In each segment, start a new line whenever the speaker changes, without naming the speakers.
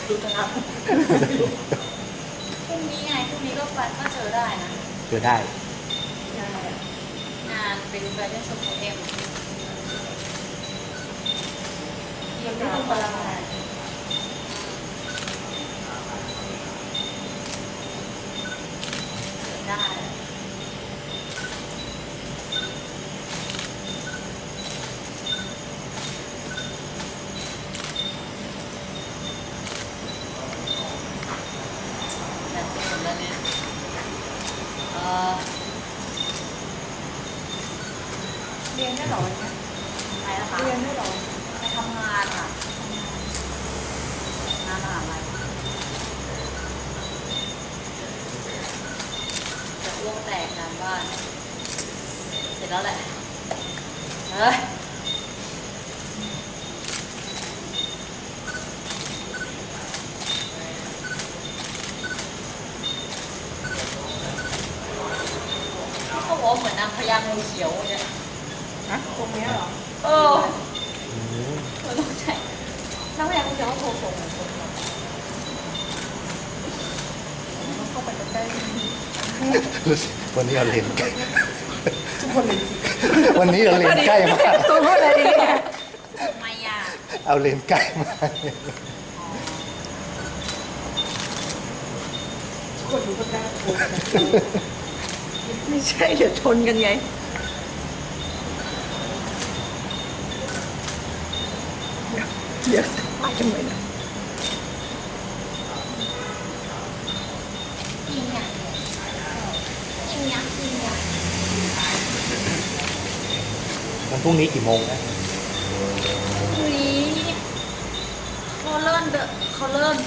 ดูทาง
พรุ่งนี้ไงพรุ่งนี้ก็ไปก็เจอได้นะ
เจอได้
งานเป็นแฟชั่นโชว์ของเอ็มยังไม่ต้องมาละลายเจอได้แบบเป็นหมดแล้วเนี่ย
เรียนได้หรอวันนี้
ไปนะคะ
เรียนได้หรอ
ไปทำงานค่ะงานมหาลัยจะอ้วกแตกงานบ้าน เสร็จแล้วแหละ เฮ้ย เขาบอกเหมือนนางพญางูเขียวเนี่ย
ฮะตรงนี้เหรอ
เออเหมือนต้องใช่นางพญางูเขียวเขาโทรส่งเหมือนคนเรา
เข้าไปใกล้
วันนี้เราเรียนใกล้
ทุกคนเลย
วันนี้เราเรียนใกล้มาก
ตัวพูดอะไรดีเนี่ย
ทำไมอ่ะ
เอาเรียนใกล้มาก
ทุกคนรู้กันได้ไม่ใช่เดี๋ยวชนกันไงเดี๋ยวไปกันไหมนะ
จริงอ่ะจริงอ่ะจริงอ่ะ
วันพรุ่งนี้กี่โมงนะ
เฮ้ยเขาเริ่มเดินเขาเริ่ม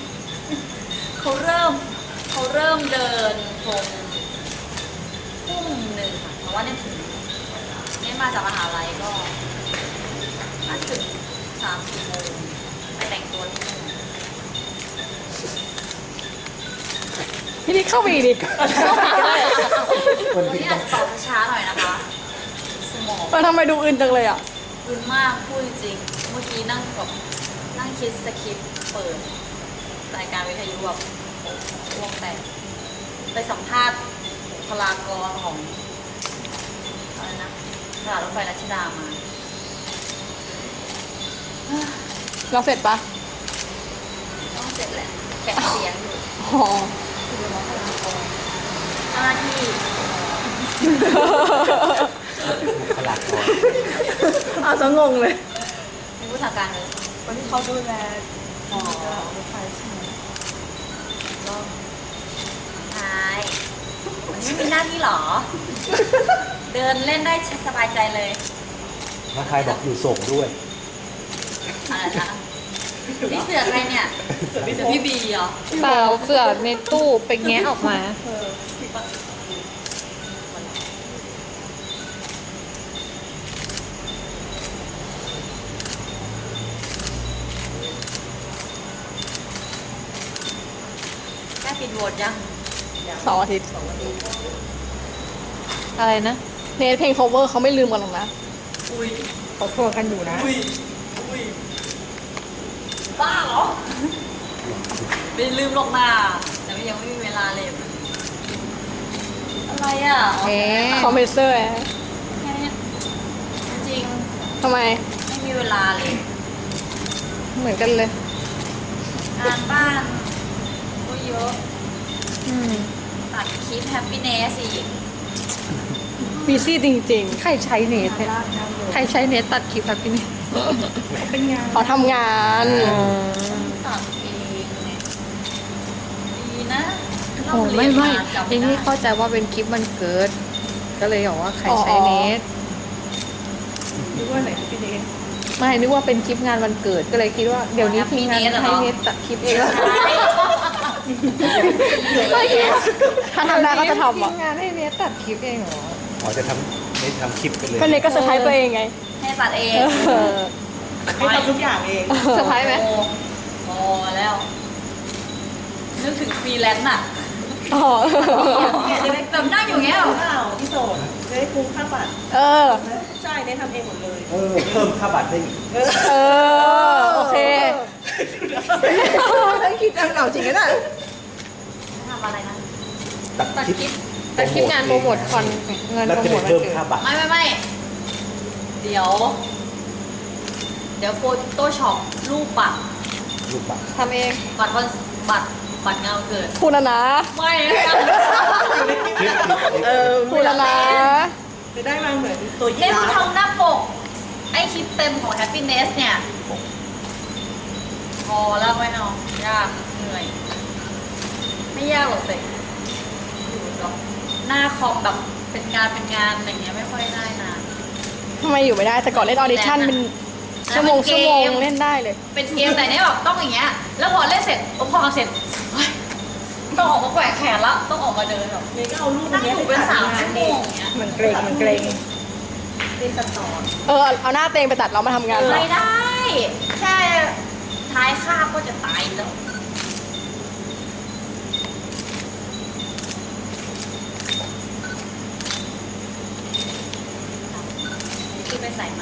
เดินตรงทุ่มหนึ่งค่ะเพราะว่าเนี่ยถึงเนี่ยมาจากมหาลัยก็น่าจะถึง3-4 โมงไปแต่งตัวที่นู่น
พี่นี่เข้าไปดิ
วันนี้อาจจะตอบช้าๆหน่อยนะคะ สมอง
มาทำไมดูอื่นจังเลยอ่ะ
รุนมากพูดจริงเมื่อกี้นั่งแบบนั่งคิดสคริปต์เปิดรายการวิทยุแบบวงแตกไปสัมภาษณ์บุคลากรของอะไรนะตลาดรถไฟรัชดามา
เราเสร็จปะ
ต้องเสร็จแหละแกะเสียงอยู่
อ๋อ
เจ้าหน้าที่
บุคลากร
อาซะงงเลย
เป็นผู้ทางการเลย
วันที่เขาดูแลรถไฟใช่ไหม
ก็ใช่วันนี้ไม่มีหน้าที่หรอ เดินเล่นได้สบายใจเลย
น้าคายบอกอยู่ส่งด้วย
อะไรนะนี่เสือใครเนี่ยเสือพี่บีเหรอ
เปล่าเสือในตู้ไปแงะออกมา
แค่ปิดโหวตยัง
2 อาทิตย์
อะไรนะ
เนทเพลง cover เขาไม่ลืมกันหรอกนะ
อุ้ย
เขาโทรกันอยู่นะ
อุ้ยอุ้ยบ้าเหรอไม่ลืมหรอกนะแต่ว่ายังไม่มีเวลาเลยอะไรอ่ะอ๋อ
เอ๊ะ
คอมเพรสเซอร์
แค่นี้จริง
ทำไม
ไม่มีเวลาเลย
เหมือนกันเลย
งานบ้านก็เยอะ
อืม
ตัดคลิปแฮปปี้เนสอีก
บีซี่จริง
ใครใช้เน็ตเนี่ยใครใช้เน็ตตัดคลิปครับพี่นี่
ๆเขาทำงาน
ตัดเองเนี่ยดีนะ
โอ้ไม่ไม่
จำ
ทีนี้
ได้
เข้าใจว่าเป็นคลิปมันเกิด ก็เลยบอกว่าใครใช้เน็ต
นึกว่าไหนพี่เนท
ไม่นึกว่าเป็นคลิปงานวันเกิดก็เลยคิดว่าเดี๋ยวนี้ทีมงานให้เน็ตตัดคลิปเองแล้ว
ถ้าทำได้ก็จะทำ
ที
อ่ะ
มงานให้เน็ตตัดคลิปเองเหรอ
อ๋อจะทำไม่ทำคลิปกันเลย
ก็เนทก็เซอร์ไพรส์ตัวเองไง
ให้ตัดเอง
เออ
ให้ทำทุกอย่างเอง
เซอร์ไพรส์ไหม
โอ้แล้ว นึกถึงฟรีแลนซ์อ่ะ
อ๋อ
แบบนั่งอยู่เงี้ยเหรอ
เปล่าพี่โสดจะได้คุ้มค่าบัตร
เออ
ใช่ได้ทำเองหมดเลย
เพิ่มค่าบัตรได้อีก
เออ โอเค
าวจริงนะ
ทำอะไรนะ
ตัด
ตัด
คลิป
คลิปตัดคลิปงานโปรโมทคอนเงิน
แล้ว
โปร
จะ
โม
ได้
ทวัน
เพิ่ม
เกิด
ค่าบัตร
ไม่เดี๋ยวโฟโต้ช็อปรูปบัตร
รูปบัตร
ทำเอง
บัตรงานวันเกิด
พูดแล้วนะ
ไม่นะ
คลิป
พูดแล้วนะ
จะได้มาเหมือนตัวยี
เล่น
ราฟ
ทำหน้าปก ไอคลิปเต็มของ Happiness เนี่ย พอแล้วไม่เอายากเหนื่อย ไม่ยากหรอกแต่อยู่กับหน้าคอมแบบเป็นงานอย่างเงี้ยไม่ค่อยได้นะ
ทำไมอยู่ไม่ได้แต่ก่อนเล่นออดิชั่นเป็นชั่วโมงเล่นได้เลย
เป็นเกมแต่เนี้ยแบบต้องอย่างเงี้ย แล้วพอเล่นเสร็จพอเสร็จเฮ้ยต้องออกมาแกว่งแขนละต้องออกมาเดินแบบ
เนี่ยก็เอารูป
นั่ง
นี้
อยู่เป็น3 ชั่วโมงอย่างเงี้ย
มันเกรงมันเกรง
เล่นตัดต่อ
เอาหน้าเตงไปตัดเรามาทำงานต่อ
ไม่ได้ แค่ท้ายคาบก็จะตายแล้วคือไปใส่ไหม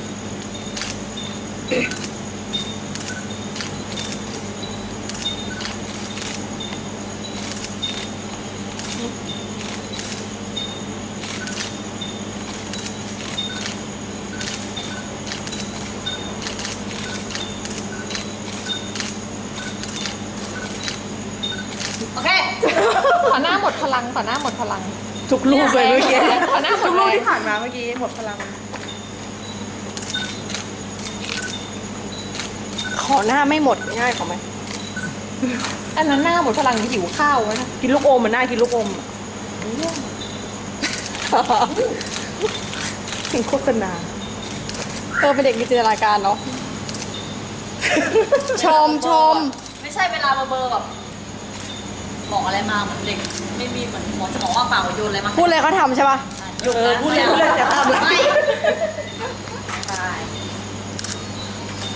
โอเค
ขอหน้าหมดพลังขอหน้าหมดพลัง
ทุกรูปเลยเมื่อกี้
ขอหน้าหม
ทุ
ด
ก
เล
รูป
ย
ที่ผ่านมาเมื่อกี้หมดพลัง
ขอหน้าไม่หมดง่ายขอไหมอันนั้นหน้าหมดพลังหิวข้าววะนะ
กินลูกอมมันน่ากินลูกอมอะถึงโฆษณา
เป็นเด็กมีจินตนาการเนาะ ชม
ไม่ใช่เวลาเบอร์แบบบอกอะไรมาเหมือนเด็ก ไม่มีเหมือนหมอสมองว่างเปล่าโยนอะไรมา
พูดเลยเขาทำใช่ป่ะ
หยุดนะ
พูดเลยแต่ตาม
ไม่